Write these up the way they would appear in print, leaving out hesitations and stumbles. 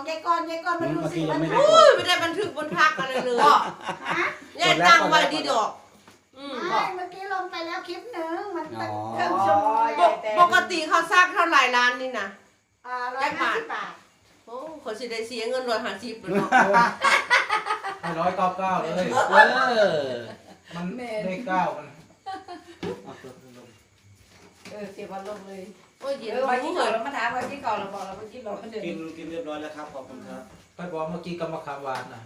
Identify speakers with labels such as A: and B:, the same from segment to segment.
A: ยายกรมาดูสิมัน
B: ไม่ได้บันทึกบนพักอะไรเลยยายตั้งไว้ดีดอก
A: ไม่เมื่อกี้ลงไปแล้วคลิปหนึ่งมันเครื่องชั่วโมง
B: ปกติเขาซักเท่าไหร่ร้านนี่นะ
A: 150 บาท
B: โอ้คนสิได้เสียเงิน150เลยเนาะ
C: 199เลยมันได้9มัน
A: เสียวันลงเลย
B: โอ้ยเย็น
A: วันที่ก่อนเรามาถามวันที่ก่อนเราบอกเราวันที่บอกเดิน
D: กินเรียบร้อยแล้วครับขอบคุณครับ
C: ไปบอกเมื่อกี้กับมะขามหวานน่ะ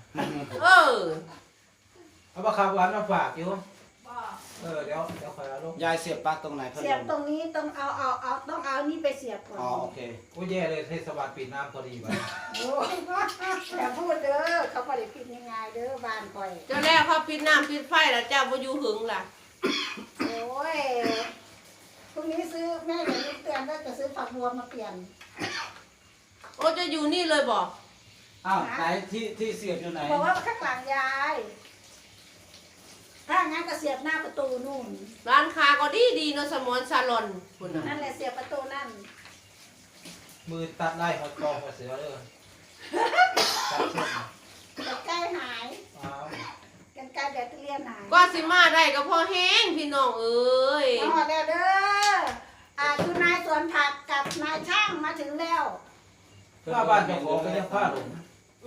C: เอามะขามหวานมาฝากอยู่เดี๋ยวคอยเอาลง
D: ยายเสียบปลั๊กตรงไหนพัดลม
A: เสียบตรงนี้ต้องเอานี่ไปเสียบก่อน
D: อ๋อโอเค
C: โอ้ยแย่เลยเทศบาลปิดน้ำพอดีไป
A: แต่พูดเด้อเขาไม่ได้ปิดง่ายๆเด้อบ้านคอย
B: เจ้าแรกเขาปิดน้ำปิดไฟแล้วเจ้าบ่อยู่หึงล่ะ
A: โอ้ยพรุ่งนี้ซื้อแม่เดี๋ยวนี้เตือนว่าจะซื้อผักบัวมาเปลี่ยน
B: โอ้จะอยู่นี่เลยบอก
D: อ้าวไหนที่เสียบอยู่ไหน
A: บอกว่าข้างหลังยายถ้างั้นก็เสียบหน้าประตูนู่น
B: ร้านค้าก็ดีเนาะสมอนซาลอนคุณ
A: นั่นแหละเสียบประตูนั่น
C: มือตัดได้หมดกองหมดเสือเลยตัดเส้น
A: กันไกลหายกันไกลแบตเตอรี่หาย
B: ก็สิมาได้ก็พอแห้งพี่น้องเอ้ย
A: มาแล้วเด้อคือนายสวนผักกับนายช่างมาถึงแล้ว
C: ผ้าบ้านเจ้าของก็ยังผ้าหลง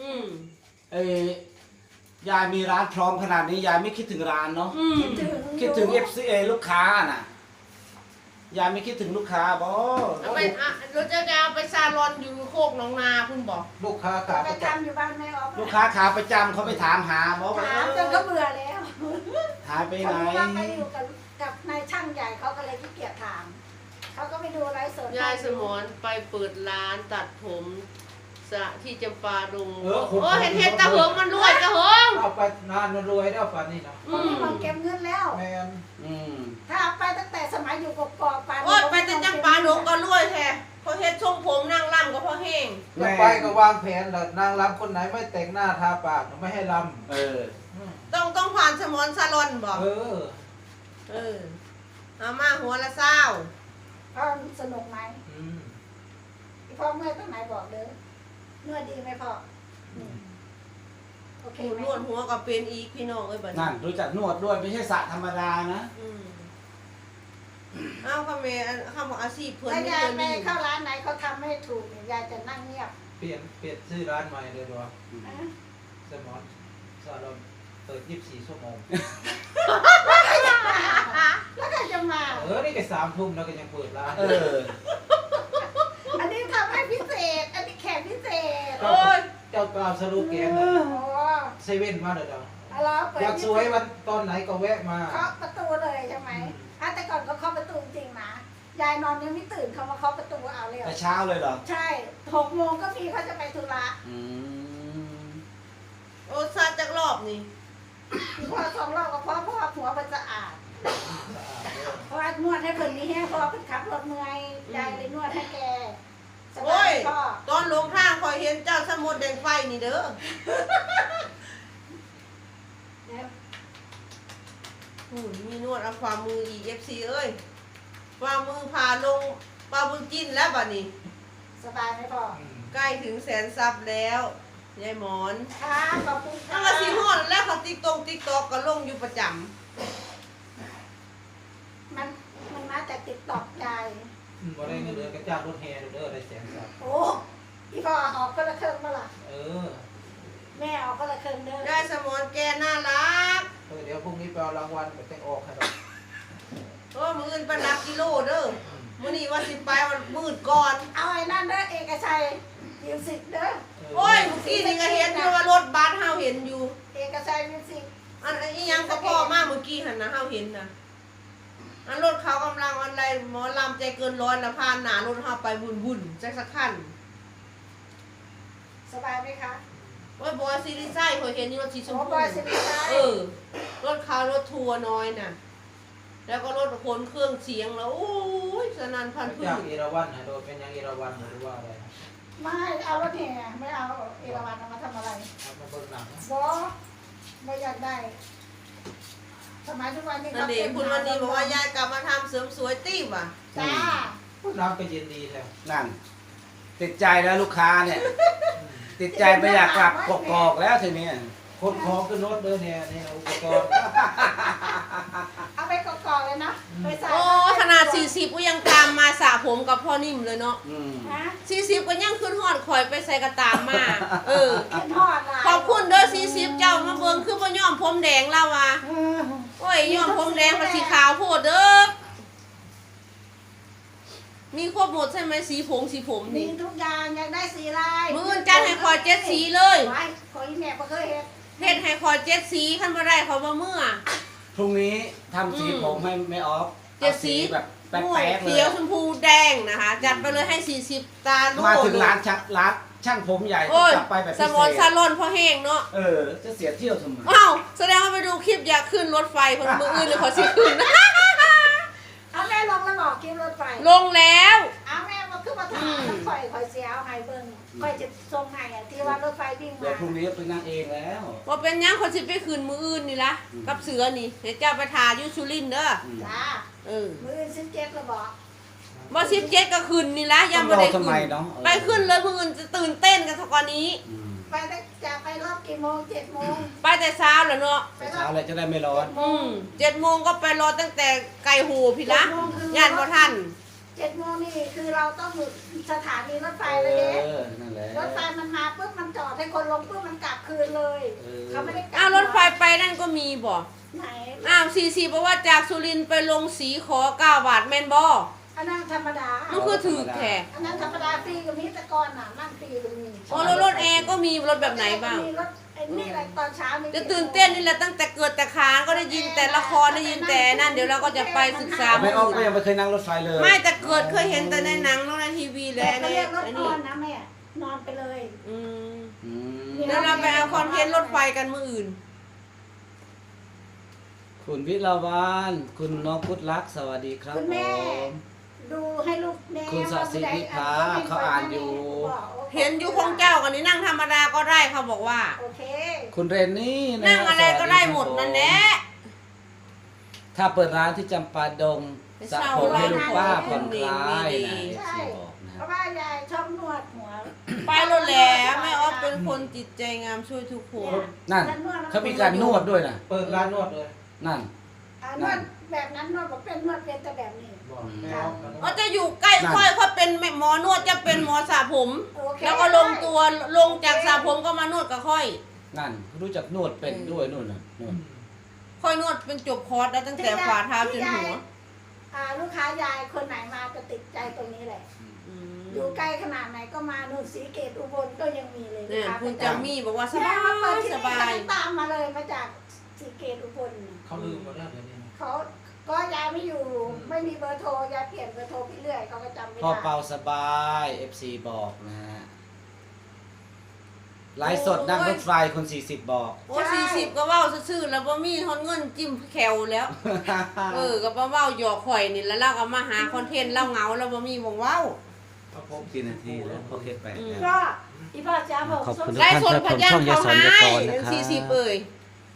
D: ยายมีร้านพร้อมขนาดนี้ยายไม่คิดถึงร้านเนาะคิดถึง FCA ลูกค้าน่ะยายไม่คิดถึงลูกค้าบ่
B: เอาไปเราจะเอาไปซาลอนอยู่โคกหนองนาคุณบอก
C: ลูกค้าขา
A: ประจำอยู่บ้านแม่ออฟ
D: ลูกค้าขาประจำเขาไปถามหาบ่
A: ถามจนก็เบื่อแล้ว
D: หายไปไหน
A: เขาไปอยู่กับนายช่างใหญ่เขาก็เลยขี้เกียจถามเขาก็ไปดูไลฟ์สด
B: ยายสมอนไปเปิดร้านตัดผมสะที่จำปาดงโอ้เห็นตาเหิงมันรวยตาเหิง
C: เอาไปนานมันรวยแล้วป่านนี้นะ
A: มันเก็บเงินแล้ว
C: แมน
A: ถ้าไปตั้งแต่สมัยอยู่กบๆปาน
B: โอ้ไปแต่จำปาดงก็รวยแท้พอเฮ็ดทรงผมนั่งร่ำก็พอแห้ง
C: แล้วไปก็วางแผนแล้วนางรำคนไหนไม่แต่งหน้าทาปากไม่ให้ร
B: ำต้องผ่านสมอนซาลอนบอกเอามาหัวละเศร้า
A: พ่อสนุกไหมพ่อเมื่อยตรงไหนบอกเด้อนวดดีไหมพ่อโอเคน
B: วดหัวก็เป็นอีกพี่น้องเอ้ยบัด
D: นั่นรู้จักนวดด้วยไม่ใช่สระธรรมดานะ
B: อ้าวคำว่าอาชีพเพื่อน
A: ยายไปเข้าร้านไหนเขาทำไม่ถูกยายจะนั่งเงียบ
C: เปลี่ยนชื่อร้านใหม่เลยด้วยสมอนซาลอนเปิด24 ชั่วโมง
A: แล้วก็จะมา
C: นี่ก็3 ทุ่มแล้วก็ยังเปิดร้าน
A: อันนี้ทำให้พิเศษอันนี้แขกพิเศษ
C: เจ้ากราบสรุปแกงเซเว่นมาเด้ออยากสวยวันตอนไหนก็แวะมา
A: เคาะประตูเลยใช่ไหมแต่ก่อนก็เคาะประตูจริงนะยายนอนยังไม่ตื่นเขามาเคาะประตูเอาเลย
D: แต่เช้าเลยเหรอ
A: ใช่6 โมงก็มีเขาจะไปธุระ
B: โอ้ซาจากรอบนี่
A: พอ2 รอบก็เพราะหัวมันสะอาดเพราะนวดให้เพิ่นนี่แห้งเพราะเพิ่นขับรถเมื่อยยายเลยนวดให้แก
B: โอ้ยตอนลงทางคอยเห็นเจ้าสมุดแดงไฟนี่เด้อมีนวดเอาความมืออีก FC เอ้ยความมือพาลงปลาบุญจิ้นแล้วบัดนี้
A: สบายไหมพ่อ
B: ใกล้ถึงแสนซับแล้วยายหมอน
A: ค่ะขอบคุณค่ะ
B: ตั้งแต่สีห้อนแล้วเขาติ๊กตอกก็ลงอยู่ประจำ
A: มันมาแต่ติ๊กตอกยาย
C: บ่ได้เงินเดือนกระจ้างรถแห่เด้อได้100,000
A: โอ้พี่พ่อออกก็ละเครื่องมาล่ะแม่ออกก็ละเครื่องเด้อ
B: ได้สมอนแกน่ารัก
C: เดี๋ยวพรุ่งนี้ไปเอารางวัลไปแต่งออกให้ดอก
B: มื้ออื่นไปนับกิโลเด้อมื้อนี้ว่าสิไปวันมืดก่อน
A: เอาไอ้นั่นเด้อเอกชัยมิวสิกเด้อ
B: โอ้ยเมื่อกี้นี่ก็เห็นอยู่ว่ารถบัสเฮาเห็นอยู่
A: เอกชัยมิวสิก
B: อันอีหยังก็พ่อมาเมื่อกี้หั่นนะเฮาเห็นน่ะอันรถเขากำลังอะไรหมอลำใจเกินร้อยนะผ่านหน้ารถเฮาไปวุ่นๆจักสักคัน
A: สบายไหมคะ
B: ว่าบอยซีรีส์ไส้เคยเห็นนี่รถสีชมพู
A: บอยซีรีส์ไส้
B: รถเขารถทัวร์น้อยน่ะแล้วก็รถขนเครื่องเสียงแล้วโอ้ยสนั่นพันธุ์
C: จากเอราวัณนะโดยเป็นยังเอราวัณหรือว่าอะไร
A: ไม่เอารถแห่ไม่เอาเอราวัณเอามาทำอะไร
C: เอามาเบิ่งหนัง
A: ไม่อยากได้สมัยทุกวันนี้
B: นั่นเองคุณวันนี้บอกว่ายายกลับมาทำเสริมสวยติ้วอ่ะ
A: จ้า
C: น้ำก็เย็นดีแท้
D: นั่นติดใจแล้วลูกค้าเนี่ยติดใจไม่อยากกลับกกอกแล้วทีนี้
C: คนของขึ้นรถเดินเนี่ยนี่อุปกรณ์
A: เอาไปกอกๆเลยนะไปใส่
B: โอ้ขนาด40ก็ยังตามมาสระผมกับพ่อนิ่มเลยเนาะ
A: ฮะ
B: 40ก็ยังขึ้นฮอดข่อยไปใส่กระตามมา
A: ขึ้นทอดลาย
B: ขอบคุณเด้อ40เจ้ามาเบิ่งคือบ่ยอมผมแดงแล้วว่ะโอ้ยยอมผมแดงมันสีขาวโพดเด้อมีครบหมดใช่ไหมสีผม
A: มี
B: นี่
A: ทุกอย่างอยากได้สีลาย
B: มื้ออื่นจัดให้คอย7สีเลย
A: ไว้ขออีแม่บ่เคยเฮ็ด
B: เฮ็ดให้คอย7สีคันบ่ได้ขอยบ่เมื่อ
D: พรุ่งนี้ทำสีผมให้ไม่ออฟ
B: เจ็ด
D: อา
B: สี
D: แบบแป๊กๆเล
B: เขี
D: ย
B: ยวชมพูแดงนะคะจัดไปเลยให้40ตาลูก
D: มาถึงร้านช่างผมใหญ่
B: โอ้ย
D: จับไปแบบ
B: ส
D: พิ
B: ม
D: เศ
B: อนซา
D: ษ
B: ลอนพอแห้งเนาะ
D: จะเสียเที่ยวทำไม
B: อ้าวแสดงว่าไปดูคลิปอยากขึ้นรถไฟเพิ่นมื้ออื่นเลยขอสิขึ้น
A: เอาแม่ลงแล้วบอกกินรถไฟ
B: ลงแล้ว
A: เอาแม่มาขึ้นมาถามข่อยเสียเอาให้เบิ่งข่อยจะส่งให้อ่ะที่ว่ารถไฟวิ่ง
D: เดี๋ย
A: มาว
D: พรุ่งนี้ไปนั่งเองแล้ว
B: ว่าเป็นหยังคนสิไปคืนมืออื่นนี่ละกับเสือนี่เดี๋ยวเจ้าไปทาอยุสุรินทร์เด้อ
A: จ้า
B: เออ
A: มื้อ17แล้วบอก
B: บ่17ก็คืนนี่ละยัง
D: ต้
B: บ่
D: องร
B: ได้
D: อทำ
B: คื
D: ไม
B: น
D: เนาะ
B: ไปขึ้นเลยมืออื่นจะตื่นเต้นกันสักกว่านี้
A: ไปตั้งจะไปรอบกี่โมง7โมง
B: ไปแต่เช้าแล้วเนาะ
D: ไปเช้าเลยจะได้ไม่ร้อน
B: 7 โมงก็ไปรอตั้งแต่ไก่หูพี่ละย่านบ่ทัน
A: 7โมงนี่คือเราต้องอยู่สถานีรถไฟเลยเด้
D: นั่นแหละ
A: รถไฟมันมาปุ๊บมันจอดให้คนลงปุ๊บมันกลับคืนเลย เขาไม่ได้กลับ
B: อ้าวรถไฟไปนั่นก็มีบ่
A: ไหน
B: อ้าว44บอกว่าจากสุรินทร์ไปลงสีขอ9 บาทแม่นบ่
A: อันนั้นธรรมดา
B: มันคือถือแท้
A: อันนั้นธรรมดาฟรีก็มีแต่ก่อนน่ะนั่งฟรีก็มี
B: อ๋อแล้วรถแอร์ก็มีรถแบบไหนบ้าง
A: มีรถไอ้นี่อะไรตอนเช้ามี
B: จะตื่นเต้นนี่แหละตั้งแต่เกิดแต่คานก็ได้ยินแต่ละครได้ยินแต่นั่นเดี๋ยวเราก็จะไปศึกษา
D: ไม่ออฟก็ยังไม่เคยนั่งรถไฟเลย
B: ไม่แต่เกิดเคยเห็นแต่ในหนังแล้วในทีวีแล้
A: แต่
B: ว
A: เขา
B: ใน
A: เรียกรถ
B: ไอ้
A: น
B: นี่
A: อนนะแม่นอนไปเลย
B: อืม
D: อืม
B: เดี๋ยวเราไปเอาคอนเทนต์รถไฟกันมื้ออื่น
D: คุณวิลาวันคุณน้องพุทธลักษณ์สวัสดีครับ
A: คุณ
D: ผ
A: แม่
D: ม
A: ดูให้ลูกแม่
D: คุณสศินิพาเขาอ่านอยู่
B: เห็นอยู่ของเจ้ากันนี่นั่งธรรมดาก็ได้เขาบอกว่า
A: โอเค
D: คุณเรนนี่นะ
B: นั่งอะไรก็ได้หมดนั่นแหละ
D: ถ้าเปิดร้านที่จำปาดงสระผมให้ลูกป้าผ่อนคลายนะ
A: ใช่
D: FC บอกนะ
A: เพราะว่ายายชอบนวดหัว
B: ไปรถแล้วแม่ออฟเป็นคนจิตใจงามช่วยทุกคน
D: นั่นเขามีการนวดด้วยนะ
C: เปิดร้านนวดเลย
D: นั่น
A: นวดแบบนั้นนวดบอกเป็นนวดเป็นแต่แบบนี้
C: บอกแม่ออฟกัน
B: เขาจะอยู่ใกล้ค่อยเขาเป็นหมอนวดจะเป็นหมอสระผม
A: โอเค
B: แล้วก็ลงตัวลงจากสระผมก็มานวดกับค่อย
D: นั่นรู้จักนวดเป็นด้วยนู่นน่ะนวด
B: ค่อยนวดเป็นจบคอร์สได้ตั้งแต่ฝ่าเท้าจนหัว
A: ลูกค้ายายคนไหนมาจะติดใจตรงนี้แหละ อยู่ใกล้ขนาดไหนก็มานู่นสีเกตอุบลก็ยังมีเลย
B: เนี่ยคุณจามี่บอกว่าส
A: แม่
B: บาย
A: มาเปิดที่
B: ส
A: นี่
B: บาย
A: เขาตามมาเลยมาจากสีเกตอุบล
C: เขาลืมหมดแล้วเดี๋ยวนี้นะ
A: เขาก็ยายไม่อยู่ไม่มีเบอร์โทรยายเปลี่ยนเบอร์โทรไปเรื่อยเขาก็จำไม่
D: พ่อ
A: ได้
D: เปาสบาย FC บอกนะฮะไลฟ์สดนั่งรถไฟคน40บอก
B: โอ้40ก็เว้าซื่อๆแล้วบ่มีทอนเงินจิ้มแควแล้ว ก็บ่เว้าหยอกข่อยนี่แล้วเราก็มาหาคอนเทนต์เราเหงาแล้วบ่มีวงเว้า
C: ครับผม
D: กี่นาทีแล้วโอเคไปแล้ว
A: ก็อีพ่อจ้าบอก
D: ขอบคุณ
B: ไล่สดพยัญชนะเขาหาย40เอ้ย
A: เ